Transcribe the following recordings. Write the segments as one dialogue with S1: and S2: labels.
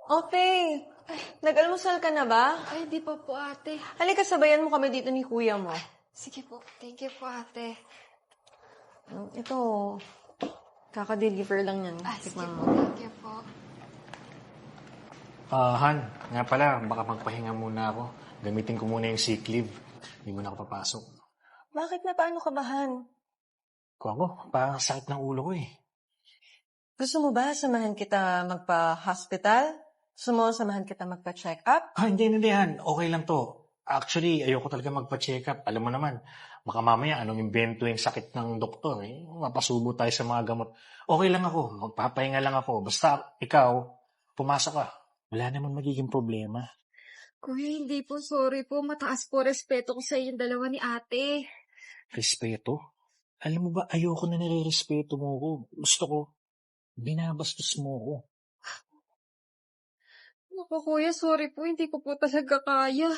S1: Okay. Nag-almusal ka na ba?
S2: Ay, di pa po, ate.
S1: Halika, sabayan mo kami dito ni kuya mo.
S2: Sige po. Thank you po, ate.
S1: Ito, kaka-deliver lang yan.
S2: Sige
S1: Tikman
S2: po.
S1: mo.
S2: Thank you po.
S3: Han, nga pala, baka magpahinga muna ako. Gamitin ko muna yung sick leave. Hindi mo na ako papasok.
S1: Bakit na? Paano ka ba, Han?
S3: Kung ako, parang sakit ng ulo ko eh.
S1: Gusto mo ba samahan kita magpa-hospital? Gusto mo samahan kita magpa-check up?
S3: Hindi, Han. Okay lang to. Actually, ayoko talaga magpa-check up. Alam mo naman, baka mamaya anong invento yung sakit ng doktor eh. Mapasubo tayo sa mga gamot. Okay lang ako. Magpapahinga lang ako. Basta ikaw, pumasok ka. Wala naman magiging problema.
S2: Kuya, hindi po. Sorry po. Mataas po respeto ko sa inyong dalawa ni ate.
S3: Respeto? Alam mo ba, ayoko na nire-respeto mo ko. Gusto ko, binabastos mo ko.
S2: Naku, kuya. Sorry po. Hindi ko po talaga kaya.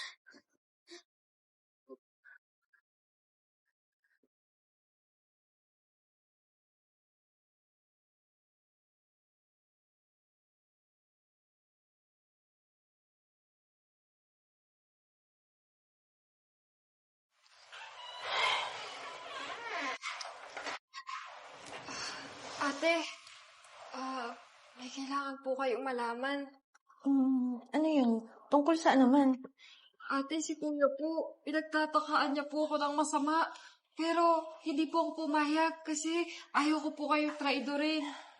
S2: Ate, may kailangan po kayong malaman.
S1: Ano yun? Tungkol saan naman?
S2: Ate, si kuya po, pinagtatakaan niya po ako ng masama. Pero hindi po ako pumayag kasi ayaw ko po kayong traidorin.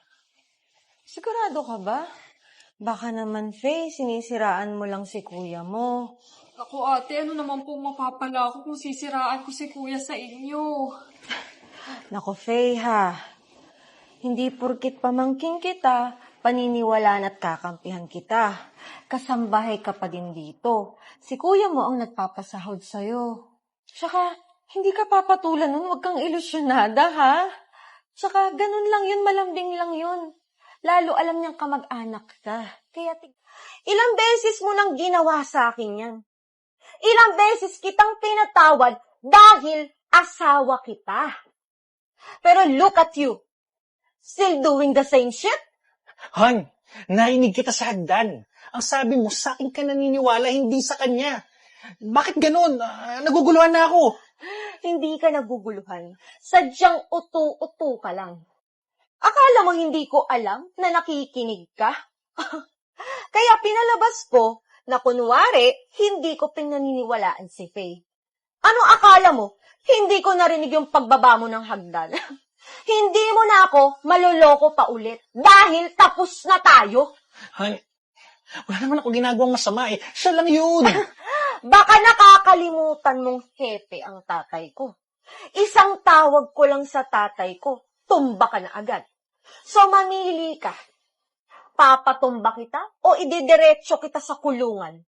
S1: Sigurado ka ba? Baka naman, Faye, sinisiraan mo lang si kuya mo.
S2: Ako ate, ano naman po mapapala ako kung sisiraan ko si kuya sa inyo?
S1: Nako, Faye, ha? Hindi porkit pamangking kita, paniniwalaan at kakampihan kita. Kasambahay ka pa din dito. Si kuya mo ang nagpapasahod sa'yo. Tsaka, hindi ka papatulan nun, huwag kang ilusyonada, ha? Tsaka, ganun lang yun, malambing lang yun. Lalo alam niyang kamag-anak ka. Kaya, ilang beses mo nang ginawa sa akin yan. Ilang beses kitang pinatawad dahil asawa kita. Pero look at you. Still doing the same shit?
S3: Han, narinig kita sa hagdan. Ang sabi mo, sa akin ka naniniwala, hindi sa kanya. Bakit ganun? Naguguluhan na ako.
S1: Hindi ka naguguluhan. Sadyang utu-utu ka lang. Akala mo hindi ko alam na nakikinig ka? Kaya pinalabas ko na kunwari, hindi ko pinaniniwalaan si Faye. Ano akala mo? Hindi ko narinig yung pagbaba mo ng hagdan. Hindi mo na ako maloloko pa ulit dahil tapos na tayo.
S3: Han, wala naman ako ginagawang masama eh. Siya lang yun.
S1: Baka nakakalimutan mong hepe ang tatay ko. Isang tawag ko lang sa tatay ko, tumba ka na agad. So mamili ka. Papatumba kita o ididiretso kita sa kulungan?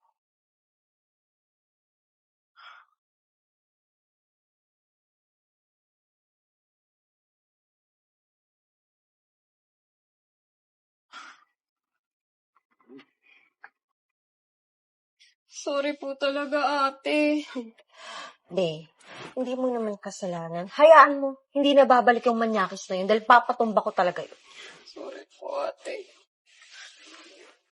S2: Sorry po talaga, ate.
S1: Hindi mo naman kasalanan. Hayaan mo, hindi na babalik yung manyakis na yun dahil papatumba ko talaga yun.
S2: Sorry po, ate.